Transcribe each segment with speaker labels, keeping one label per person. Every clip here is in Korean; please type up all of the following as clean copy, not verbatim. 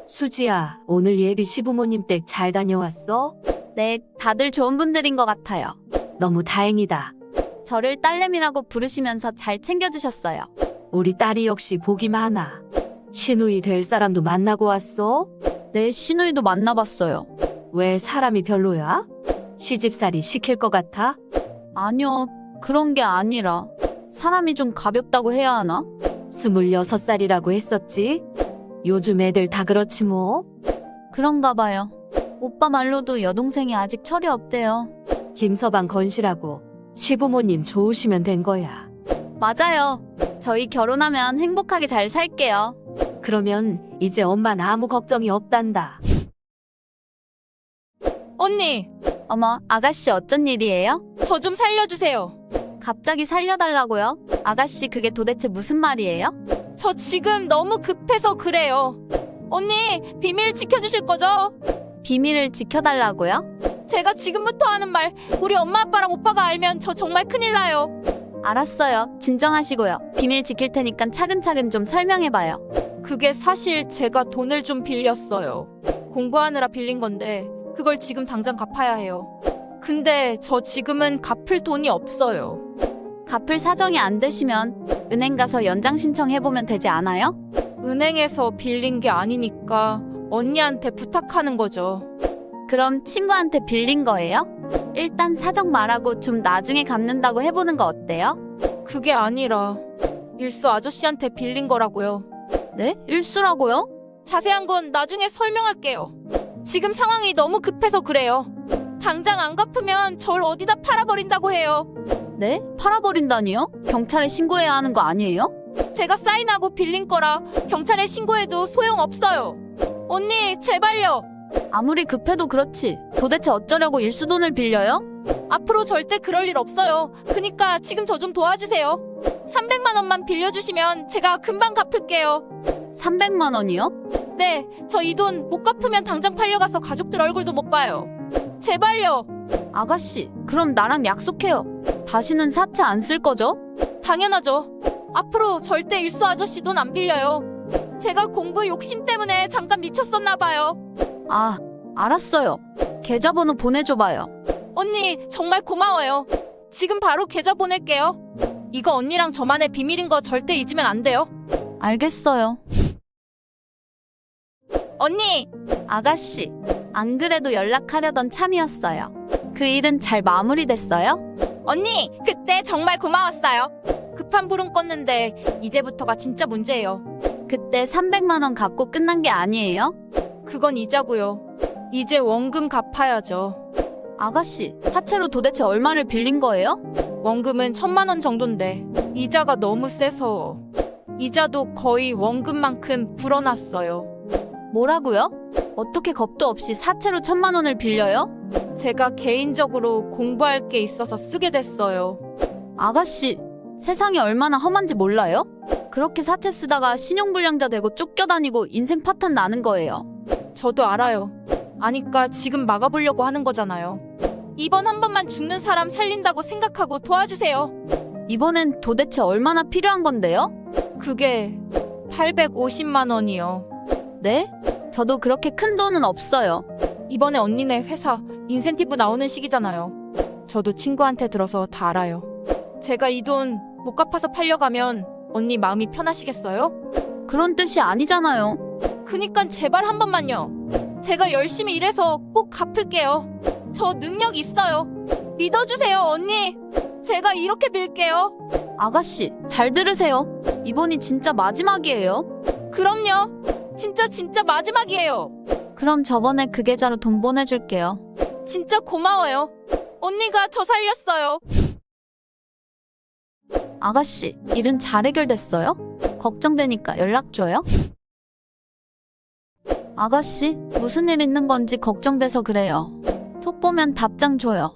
Speaker 1: 수지야, 오늘 예비 시부모님 댁 잘 다녀왔어?
Speaker 2: 네, 다들 좋은 분들인 것 같아요.
Speaker 1: 너무 다행이다.
Speaker 2: 저를 딸내미라고 부르시면서 잘 챙겨주셨어요.
Speaker 1: 우리 딸이 역시 복이 많아. 시누이 될 사람도 만나고 왔어?
Speaker 2: 네, 시누이도 만나봤어요.
Speaker 1: 왜 사람이 별로야? 시집살이 시킬 것 같아?
Speaker 2: 아니요, 그런 게 아니라 사람이 좀 가볍다고 해야 하나?
Speaker 1: 26살이라고 했었지? 요즘 애들 다 그렇지 뭐.
Speaker 2: 그런가 봐요. 오빠 말로도 여동생이 아직 철이 없대요.
Speaker 1: 김서방 건실하고 시부모님 좋으시면 된 거야.
Speaker 2: 맞아요. 저희 결혼하면 행복하게 잘 살게요.
Speaker 1: 그러면 이제 엄마는 아무 걱정이 없단다.
Speaker 3: 언니,
Speaker 2: 어머, 아가씨 어쩐 일이에요?
Speaker 3: 저 좀 살려주세요.
Speaker 2: 갑자기 살려달라고요? 아가씨 그게 도대체 무슨 말이에요?
Speaker 3: 저 지금 너무 급해서 그래요. 언니, 비밀 지켜주실 거죠?
Speaker 2: 비밀을 지켜달라고요?
Speaker 3: 제가 지금부터 하는 말 우리 엄마 아빠랑 오빠가 알면 저 정말 큰일 나요.
Speaker 2: 알았어요. 진정하시고요. 비밀 지킬 테니까 차근차근 좀 설명해봐요.
Speaker 3: 그게 사실 제가 돈을 좀 빌렸어요. 공부하느라 빌린 건데 그걸 지금 당장 갚아야 해요. 근데 저 지금은 갚을 돈이 없어요.
Speaker 2: 갚을 사정이 안 되시면 은행 가서 연장 신청해보면 되지 않아요?
Speaker 3: 은행에서 빌린 게 아니니까 언니한테 부탁하는 거죠.
Speaker 2: 그럼 친구한테 빌린 거예요? 일단 사정 말하고 좀 나중에 갚는다고 해보는 거 어때요?
Speaker 3: 그게 아니라 일수 아저씨한테 빌린 거라고요.
Speaker 2: 네? 일수라고요?
Speaker 3: 자세한 건 나중에 설명할게요. 지금 상황이 너무 급해서 그래요. 당장 안 갚으면 절 어디다 팔아버린다고 해요.
Speaker 2: 네? 팔아버린다니요? 경찰에 신고해야 하는 거 아니에요?
Speaker 3: 제가 사인하고 빌린 거라 경찰에 신고해도 소용없어요. 언니, 제발요.
Speaker 2: 아무리 급해도 그렇지. 도대체 어쩌려고 일수 돈을 빌려요?
Speaker 3: 앞으로 절대 그럴 일 없어요. 그니까 지금 저 좀 도와주세요. 300만 원만 빌려주시면 제가 금방 갚을게요.
Speaker 2: 300만 원이요?
Speaker 3: 네, 저 이 돈 못 갚으면 당장 팔려가서 가족들 얼굴도 못 봐요. 제발요.
Speaker 2: 아가씨, 그럼 나랑 약속해요. 다시는 사채 안 쓸 거죠?
Speaker 3: 당연하죠. 앞으로 절대 일수 아저씨 돈 안 빌려요. 제가 공부 욕심 때문에 잠깐 미쳤었나 봐요.
Speaker 2: 아, 알았어요. 계좌번호 보내줘봐요.
Speaker 3: 언니, 정말 고마워요. 지금 바로 계좌 보낼게요. 이거 언니랑 저만의 비밀인 거 절대 잊으면 안 돼요.
Speaker 2: 알겠어요.
Speaker 3: 언니,
Speaker 2: 아가씨, 안 그래도 연락하려던 참이었어요. 그 일은 잘 마무리됐어요?
Speaker 3: 언니, 그때 정말 고마웠어요. 급한 불은 껐는데 이제부터가 진짜 문제예요.
Speaker 2: 그때 300만 원 갖고 끝난 게 아니에요?
Speaker 3: 그건 이자고요. 이제 원금 갚아야죠.
Speaker 2: 아가씨, 사채로 도대체 얼마를 빌린 거예요?
Speaker 3: 원금은 1,000만 원 정도인데 이자가 너무 세서 이자도 거의 원금만큼 불어났어요.
Speaker 2: 뭐라고요? 어떻게 겁도 없이 사채로 1,000만 원을 빌려요?
Speaker 3: 제가 개인적으로 공부할 게 있어서 쓰게 됐어요.
Speaker 2: 아가씨, 세상이 얼마나 험한지 몰라요? 그렇게 사채 쓰다가 신용불량자 되고 쫓겨다니고 인생 파탄 나는 거예요.
Speaker 3: 저도 알아요. 아니까 지금 막아보려고 하는 거잖아요. 이번 한 번만 죽는 사람 살린다고 생각하고 도와주세요.
Speaker 2: 이번엔 도대체 얼마나 필요한 건데요?
Speaker 3: 그게 850만 원이요.
Speaker 2: 네? 저도 그렇게 큰 돈은 없어요.
Speaker 3: 이번에 언니네 회사 인센티브 나오는 시기잖아요. 저도 친구한테 들어서 다 알아요. 제가 이 돈 못 갚아서 팔려가면 언니 마음이 편하시겠어요?
Speaker 2: 그런 뜻이 아니잖아요.
Speaker 3: 그니까 제발 한 번만요. 제가 열심히 일해서 꼭 갚을게요. 저 능력 있어요. 믿어주세요, 언니. 제가 이렇게 빌게요.
Speaker 2: 아가씨, 잘 들으세요. 이번이 진짜 마지막이에요.
Speaker 3: 그럼요. 진짜 마지막이에요.
Speaker 2: 그럼 저번에 그 계좌로 돈 보내줄게요.
Speaker 3: 진짜 고마워요. 언니가 저 살렸어요.
Speaker 2: 아가씨, 일은 잘 해결됐어요? 걱정되니까 연락 줘요. 아가씨, 무슨 일 있는 건지 걱정돼서 그래요. 톡 보면 답장 줘요.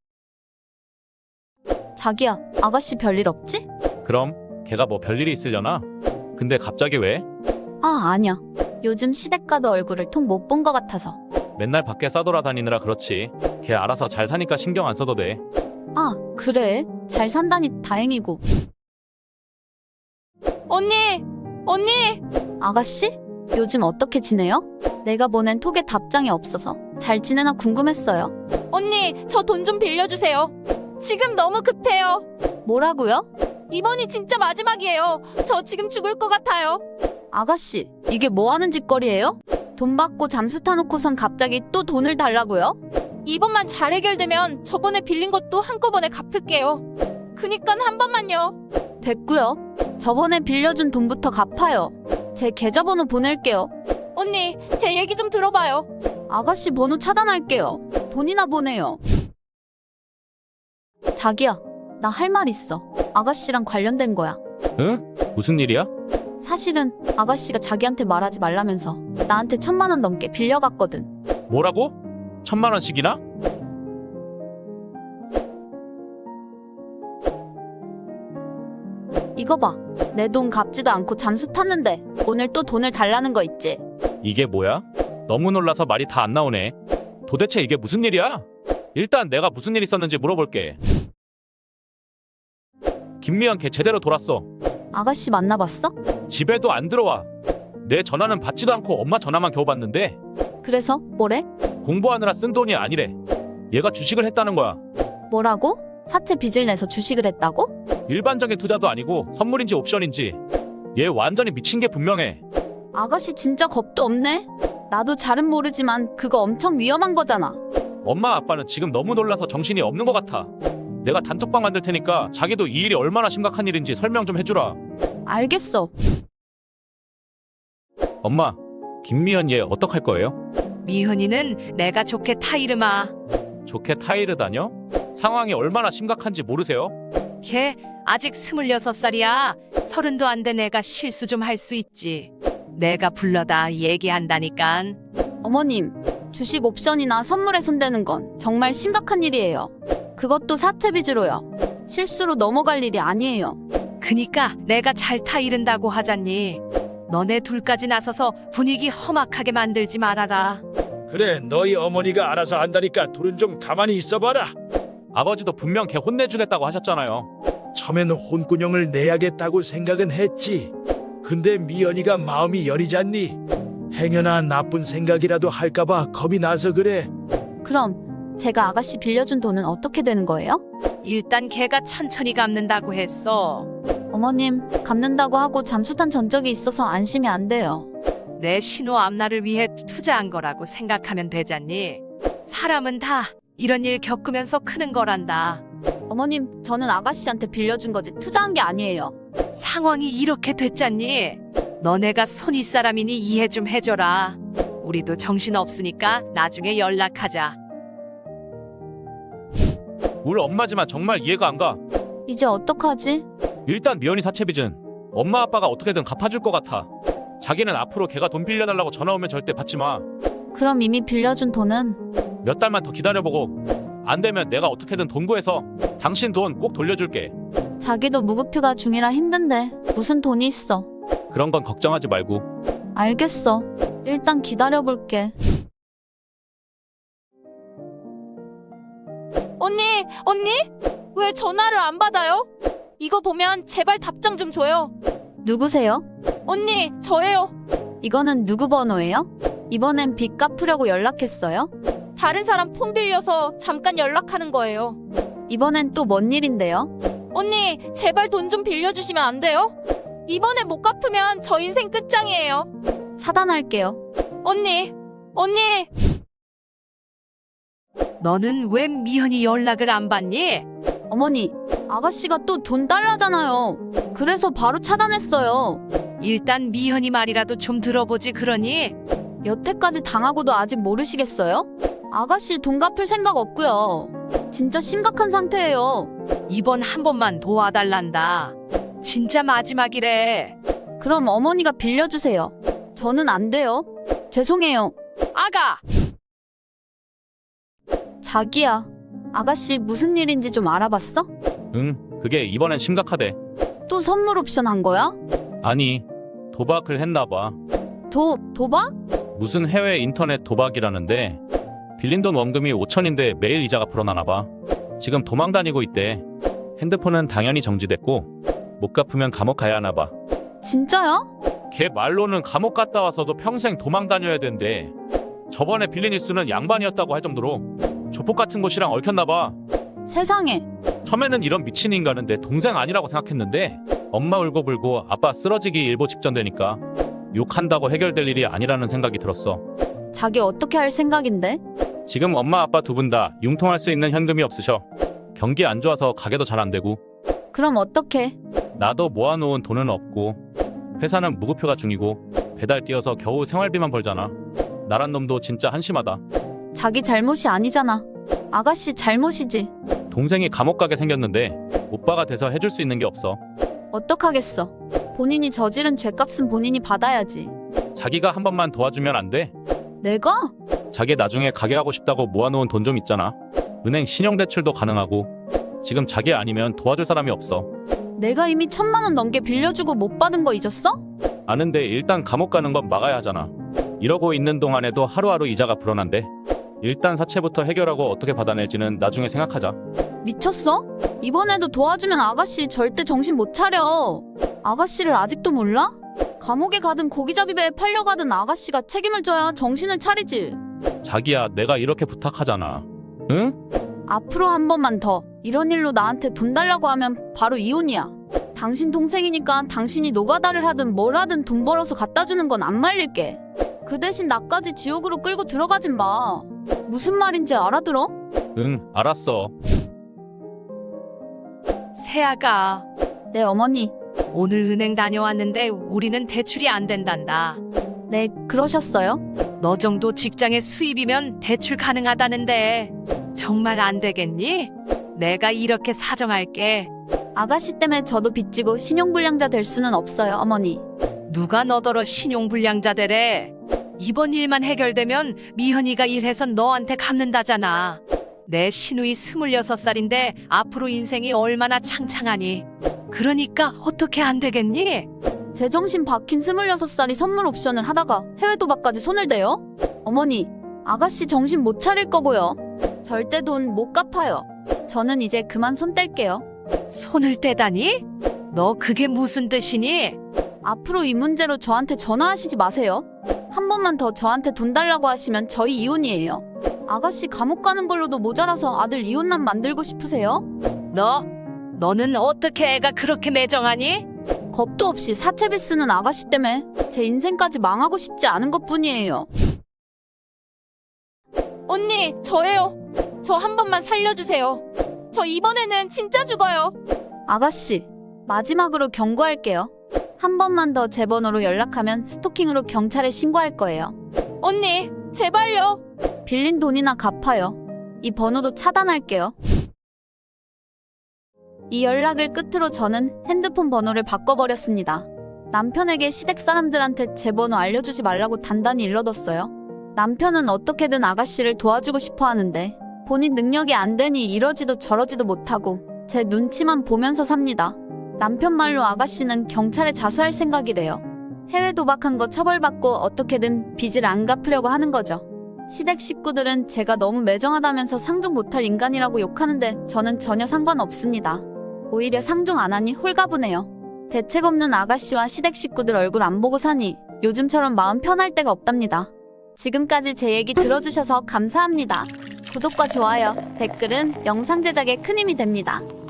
Speaker 2: 자기야, 아가씨 별일 없지?
Speaker 4: 그럼 걔가 뭐 별일이 있으려나? 근데 갑자기 왜?
Speaker 2: 아, 아니야. 요즘 시댁가도 얼굴을 통 못 본 것 같아서.
Speaker 4: 맨날 밖에 싸돌아다니느라 그렇지. 걔 알아서 잘 사니까 신경 안 써도 돼.
Speaker 2: 아, 그래? 잘 산다니 다행이고.
Speaker 3: 언니!
Speaker 2: 아가씨? 요즘 어떻게 지내요? 내가 보낸 톡에 답장이 없어서 잘 지내나 궁금했어요.
Speaker 3: 언니, 저 돈 좀 빌려주세요. 지금 너무 급해요.
Speaker 2: 뭐라고요?
Speaker 3: 이번이 진짜 마지막이에요. 저 지금 죽을 것 같아요.
Speaker 2: 아가씨, 이게 뭐 하는 짓거리예요? 돈 받고 잠수 타놓고선 갑자기 또 돈을 달라고요?
Speaker 3: 이번만 잘 해결되면 저번에 빌린 것도 한꺼번에 갚을게요. 그니까 한 번만요.
Speaker 2: 됐고요. 저번에 빌려준 돈부터 갚아요. 제 계좌번호 보낼게요.
Speaker 3: 언니, 제 얘기 좀 들어봐요.
Speaker 2: 아가씨 번호 차단할게요. 돈이나 보내요. 자기야, 나 할 말 있어. 아가씨랑 관련된 거야.
Speaker 4: 응? 무슨 일이야?
Speaker 2: 사실은 아가씨가 자기한테 말하지 말라면서 나한테 1,000만 원 넘게 빌려갔거든.
Speaker 4: 뭐라고? 1,000만 원씩이나?
Speaker 2: 이거 봐. 내 돈 갚지도 않고 잠수 탔는데 오늘 또 돈을 달라는 거 있지?
Speaker 4: 이게 뭐야? 너무 놀라서 말이 다 안 나오네. 도대체 이게 무슨 일이야? 일단 내가 무슨 일 있었는지 물어볼게. 김미연 걔 제대로 돌았어.
Speaker 2: 아가씨 만나봤어?
Speaker 4: 집에도 안 들어와. 내 전화는 받지도 않고 엄마 전화만 겨우 받는데
Speaker 2: 그래서 뭐래?
Speaker 4: 공부하느라 쓴 돈이 아니래. 얘가 주식을 했다는 거야.
Speaker 2: 뭐라고? 사채 빚을 내서 주식을 했다고?
Speaker 4: 일반적인 투자도 아니고 선물인지 옵션인지. 얘 완전히 미친 게 분명해.
Speaker 2: 아가씨 진짜 겁도 없네. 나도 잘은 모르지만 그거 엄청 위험한 거잖아.
Speaker 4: 엄마 아빠는 지금 너무 놀라서 정신이 없는 것 같아. 내가 단톡방 만들 테니까 자기도 이 일이 얼마나 심각한 일인지 설명 좀 해주라.
Speaker 2: 알겠어.
Speaker 4: 엄마, 김미연 얘 어떡할 거예요?
Speaker 5: 미은이는 내가 좋게 타이르마.
Speaker 4: 좋게 타이르다뇨? 상황이 얼마나 심각한지 모르세요?
Speaker 5: 걔 아직 26살이야. 30도 안 된 애가 실수 좀 할 수 있지. 내가 불러다 얘기한다니깐.
Speaker 2: 어머님, 주식 옵션이나 선물에 손대는 건 정말 심각한 일이에요. 그것도 사채 빚으로요. 실수로 넘어갈 일이 아니에요.
Speaker 5: 그니까 내가 잘 타이른다고 하잖니. 너네 둘까지 나서서 분위기 험악하게 만들지 말아라.
Speaker 6: 그래, 너희 어머니가 알아서 한다니까 둘은 좀 가만히 있어봐라.
Speaker 4: 아버지도 분명 걔 혼내주겠다고 하셨잖아요.
Speaker 6: 처음엔 혼꾸녕을 내야겠다고 생각은 했지. 근데 미연이가 마음이 여리잖니. 행여나 나쁜 생각이라도 할까봐 겁이 나서 그래.
Speaker 2: 그럼 제가 아가씨 빌려준 돈은 어떻게 되는 거예요?
Speaker 5: 일단 걔가 천천히 갚는다고 했어.
Speaker 2: 어머님, 갚는다고 하고 잠수 탄 전적이 있어서 안심이 안 돼요.
Speaker 5: 내 신호 앞날을 위해 투자한 거라고 생각하면 되잖니. 사람은 다 이런 일 겪으면서 크는 거란다.
Speaker 2: 어머님, 저는 아가씨한테 빌려준 거지 투자한 게 아니에요.
Speaker 5: 상황이 이렇게 됐잖니. 너네가 손윗사람이니 이해 좀 해줘라. 우리도 정신 없으니까 나중에 연락하자.
Speaker 4: 우리 엄마지만 정말 이해가 안 가.
Speaker 2: 이제 어떡하지?
Speaker 4: 일단 미연이 사채빚은 엄마 아빠가 어떻게든 갚아줄 것 같아. 자기는 앞으로 걔가 돈 빌려달라고 전화 오면 절대 받지 마.
Speaker 2: 그럼 이미 빌려준 돈은?
Speaker 4: 몇 달만 더 기다려보고 안 되면 내가 어떻게든 돈 구해서 당신 돈 꼭 돌려줄게.
Speaker 2: 자기도 무급휴가 중이라 힘든데 무슨 돈이 있어.
Speaker 4: 그런 건 걱정하지 말고.
Speaker 2: 알겠어. 일단 기다려볼게.
Speaker 3: 언니? 왜 전화를 안 받아요? 이거 보면 제발 답장 좀 줘요.
Speaker 2: 누구세요?
Speaker 3: 언니, 저예요.
Speaker 2: 이거는 누구 번호예요? 이번엔 빚 갚으려고 연락했어요?
Speaker 3: 다른 사람 폰 빌려서 잠깐 연락하는 거예요.
Speaker 2: 이번엔 또 뭔 일인데요?
Speaker 3: 언니, 제발 돈 좀 빌려주시면 안 돼요? 이번에 못 갚으면 저 인생 끝장이에요.
Speaker 2: 차단할게요.
Speaker 3: 언니!
Speaker 5: 너는 왜 미연이 연락을 안 받니?
Speaker 2: 어머니, 아가씨가 또 돈 달라잖아요. 그래서 바로 차단했어요.
Speaker 5: 일단 미연이 말이라도 좀 들어보지 그러니?
Speaker 2: 여태까지 당하고도 아직 모르시겠어요? 아가씨 돈 갚을 생각 없고요. 진짜 심각한 상태예요.
Speaker 5: 이번 한 번만 도와달란다. 진짜 마지막이래.
Speaker 2: 그럼 어머니가 빌려주세요. 저는 안 돼요. 죄송해요.
Speaker 5: 아가!
Speaker 2: 자기야, 아가씨 무슨 일인지 좀 알아봤어?
Speaker 4: 응, 그게 이번엔 심각하대.
Speaker 2: 또 선물 옵션 한 거야?
Speaker 4: 아니, 도박을 했나 봐.
Speaker 2: 도박?
Speaker 4: 무슨 해외 인터넷 도박이라는데 빌린 돈 원금이 5천인데 매일 이자가 불어나나 봐. 지금 도망 다니고 있대. 핸드폰은 당연히 정지됐고 못 갚으면 감옥 가야 하나 봐.
Speaker 2: 진짜야?
Speaker 4: 걔 말로는 감옥 갔다 와서도 평생 도망 다녀야 된대. 저번에 빌린 일수는 양반이었다고 할 정도로 조폭 같은 곳이랑 얽혔나 봐.
Speaker 2: 세상에.
Speaker 4: 처음에는 이런 미친 인간은 내 동생 아니라고 생각했는데 엄마 울고불고 아빠 쓰러지기 일보 직전 되니까 욕한다고 해결될 일이 아니라는 생각이 들었어.
Speaker 2: 자기 어떻게 할 생각인데?
Speaker 4: 지금 엄마 아빠 두 분 다 융통할 수 있는 현금이 없으셔. 경기 안 좋아서 가게도 잘 안 되고
Speaker 2: 그럼 어떡해?
Speaker 4: 나도 모아놓은 돈은 없고 회사는 무급휴가 중이고 배달 뛰어서 겨우 생활비만 벌잖아. 나란 놈도 진짜 한심하다.
Speaker 2: 자기 잘못이 아니잖아. 아가씨 잘못이지.
Speaker 4: 동생이 감옥 가게 생겼는데 오빠가 돼서 해줄 수 있는 게 없어.
Speaker 2: 어떡하겠어. 본인이 저지른 죄값은 본인이 받아야지.
Speaker 4: 자기가 한 번만 도와주면 안 돼?
Speaker 2: 내가?
Speaker 4: 자기 나중에 가게 하고 싶다고 모아놓은 돈 좀 있잖아. 은행 신용대출도 가능하고 지금 자기 아니면 도와줄 사람이 없어.
Speaker 2: 내가 이미 1,000만 원 넘게 빌려주고 못 받은 거 잊었어?
Speaker 4: 아는데 일단 감옥 가는 건 막아야 하잖아. 이러고 있는 동안에도 하루하루 이자가 불어난대. 일단 사채부터 해결하고 어떻게 받아낼지는 나중에 생각하자.
Speaker 2: 미쳤어? 이번에도 도와주면 아가씨 절대 정신 못 차려. 아가씨를 아직도 몰라? 감옥에 가든 고기잡이배에 팔려가든 아가씨가 책임을 져야 정신을 차리지.
Speaker 4: 자기야, 내가 이렇게 부탁하잖아. 응?
Speaker 2: 앞으로 한 번만 더 이런 일로 나한테 돈 달라고 하면 바로 이혼이야. 당신 동생이니까 당신이 노가다를 하든 뭘 하든 돈 벌어서 갖다 주는 건 안 말릴게. 그 대신 나까지 지옥으로 끌고 들어가진 마. 무슨 말인지 알아들어?
Speaker 4: 응, 알았어.
Speaker 5: 세아가
Speaker 2: 네, 어머니.
Speaker 5: 오늘 은행 다녀왔는데 우리는 대출이 안 된단다.
Speaker 2: 네, 그러셨어요?
Speaker 5: 너 정도 직장의 수입이면 대출 가능하다는데 정말 안 되겠니? 내가 이렇게 사정할게.
Speaker 2: 아가씨 때문에 저도 빚지고 신용불량자 될 수는 없어요, 어머니.
Speaker 5: 누가 너더러 신용불량자 되래? 이번 일만 해결되면 미현이가 일해서 너한테 갚는다잖아. 내 시누이 26살인데 앞으로 인생이 얼마나 창창하니. 그러니까 어떻게 안 되겠니?
Speaker 2: 제정신 박힌 26살이 선물 옵션을 하다가 해외 도박까지 손을 대요? 어머니, 아가씨 정신 못 차릴 거고요. 절대 돈 못 갚아요. 저는 이제 그만 손 뗄게요.
Speaker 5: 손을 떼다니? 너 그게 무슨 뜻이니?
Speaker 2: 앞으로 이 문제로 저한테 전화하시지 마세요. 한 번만 더 저한테 돈 달라고 하시면 저희 이혼이에요. 아가씨 감옥 가는 걸로도 모자라서 아들 이혼남 만들고 싶으세요?
Speaker 5: 너는 어떻게 애가 그렇게 매정하니?
Speaker 2: 겁도 없이 사채비 쓰는 아가씨 때문에 제 인생까지 망하고 싶지 않은 것뿐이에요.
Speaker 3: 언니, 저예요. 저 한 번만 살려주세요. 저 이번에는 진짜 죽어요.
Speaker 2: 아가씨, 마지막으로 경고할게요. 한 번만 더 제 번호로 연락하면 스토킹으로 경찰에 신고할 거예요.
Speaker 3: 언니, 제발요.
Speaker 2: 빌린 돈이나 갚아요. 이 번호도 차단할게요. 이 연락을 끝으로 저는 핸드폰 번호를 바꿔버렸습니다. 남편에게 시댁 사람들한테 제 번호 알려주지 말라고 단단히 일러뒀어요. 남편은 어떻게든 아가씨를 도와주고 싶어 하는데 본인 능력이 안 되니 이러지도 저러지도 못하고 제 눈치만 보면서 삽니다. 남편 말로 아가씨는 경찰에 자수할 생각이래요. 해외 도박한 거 처벌받고 어떻게든 빚을 안 갚으려고 하는 거죠. 시댁 식구들은 제가 너무 매정하다면서 상종 못할 인간이라고 욕하는데 저는 전혀 상관없습니다. 오히려 상종 안 하니 홀가분해요. 대책 없는 아가씨와 시댁 식구들 얼굴 안 보고 사니 요즘처럼 마음 편할 때가 없답니다. 지금까지 제 얘기 들어주셔서 감사합니다. 구독과 좋아요, 댓글은 영상 제작에 큰 힘이 됩니다.